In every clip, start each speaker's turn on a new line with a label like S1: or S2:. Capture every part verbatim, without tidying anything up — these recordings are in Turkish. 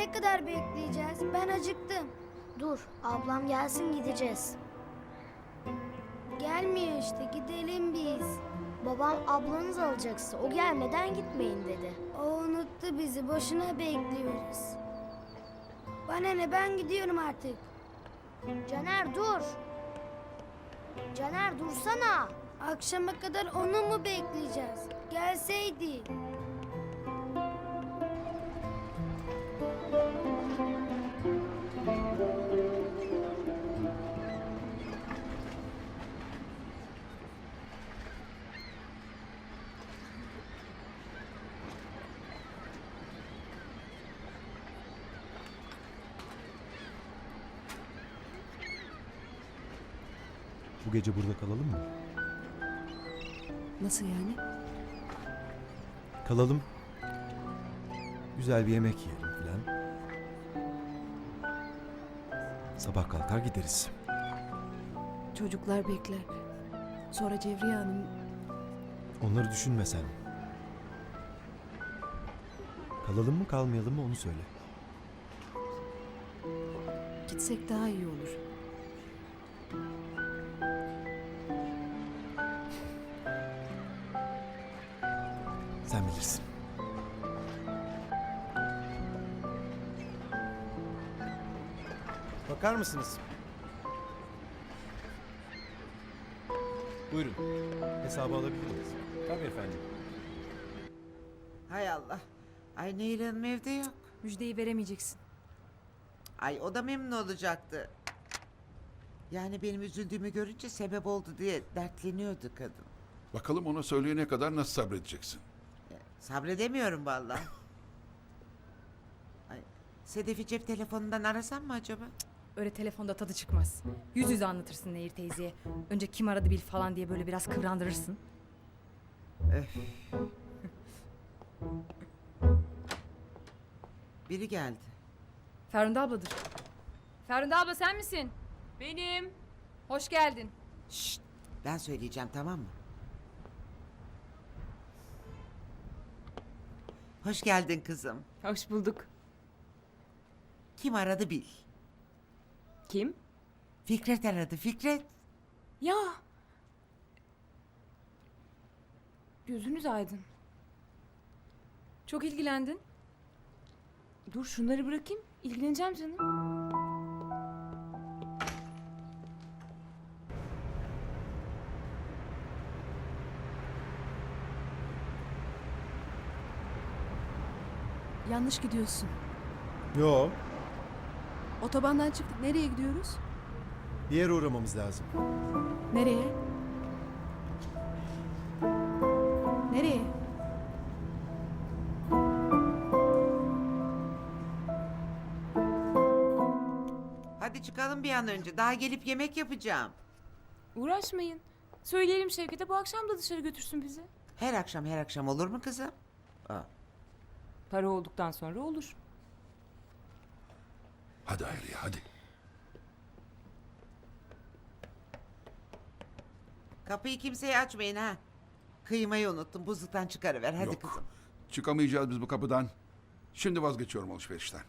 S1: ne kadar bekleyeceğiz? Ben acıktım.
S2: Dur, ablam gelsin gideceğiz.
S1: Gelmiyor işte, gidelim biz.
S2: Babam ablanız alacaksa o gelmeden gitmeyin dedi.
S1: O unuttu bizi, boşuna bekliyoruz. Bana ne, ben gidiyorum artık.
S2: Caner dur. Caner dursana.
S1: Akşama kadar onu mu bekleyeceğiz? Gelseydi.
S3: Bu gece burada kalalım mı?
S4: Nasıl yani?
S3: Kalalım. Güzel bir yemek yiyelim filan. Sabah kalkar gideriz.
S4: Çocuklar bekler. Sonra Cevriye Hanım...
S3: Onları düşünme sen. Kalalım mı kalmayalım mı onu söyle.
S4: Gitsek daha iyi olur.
S3: Sen bilirsin. Bakar mısınız? Buyurun. Hesabı alabilir miyiz? Tabii efendim.
S5: Hay Allah. Ay Nehir Hanım evde yok.
S4: Müjdeyi veremeyeceksin.
S5: Ay o da memnun olacaktı. Yani benim üzüldüğümü görünce sebep oldu diye dertleniyordu kadın.
S6: Bakalım ona söyleyene kadar nasıl sabredeceksin?
S5: Ya, sabredemiyorum vallahi. Ay, Sedef'i cep telefonundan arasam mı acaba?
S7: Öyle telefonda tadı çıkmaz. Yüz yüze anlatırsın Nehir teyzeye. Önce kim aradı bil falan diye böyle biraz kıvrandırırsın.
S5: Öf. Biri geldi.
S7: Ferhunde abladır. Ferhunde abla sen misin? Benim. Hoş geldin.
S5: Şşt, ben söyleyeceğim tamam mı? Hoş geldin kızım.
S7: Hoş bulduk.
S5: Kim aradı bil.
S7: Kim?
S5: Fikret aradı Fikret.
S7: Ya. Gözünüz aydın. Çok ilgilendin.
S8: Dur şunları bırakayım. İlgileneceğim canım.
S4: Yanlış gidiyorsun.
S3: Yo.
S4: Otobandan çıktık. Nereye gidiyoruz?
S3: Bir yere uğramamız lazım.
S4: Nereye? Nereye?
S5: Hadi çıkalım bir an önce. Daha gelip yemek yapacağım.
S8: Uğraşmayın. Söyleyelim Şevket'e bu akşam da dışarı götürsün bizi.
S5: Her akşam her akşam olur mu kızım? Aa,
S8: Para olduktan sonra olur.
S6: Hadi Hayriye hadi.
S5: kapıyı kimseye açmayın ha. Kıymayı unuttum. Buzluktan çıkarıver. Hadi
S6: Yok.
S5: kızım.
S6: Çıkamayacağız biz bu kapıdan. Şimdi vazgeçiyorum alışverişten.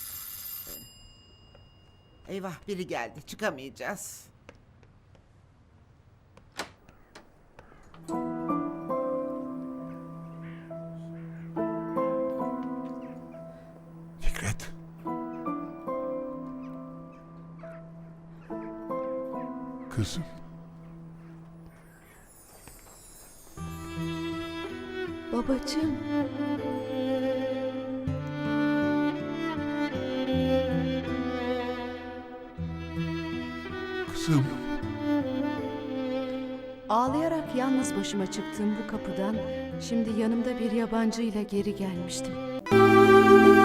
S5: Eyvah biri geldi. Çıkamayacağız.
S6: Fikret. Kızım.
S4: Babacığım.
S6: Kızım.
S4: Ağlayarak yalnız başıma çıktığım bu kapıdan şimdi yanımda bir yabancıyla geri gelmiştim.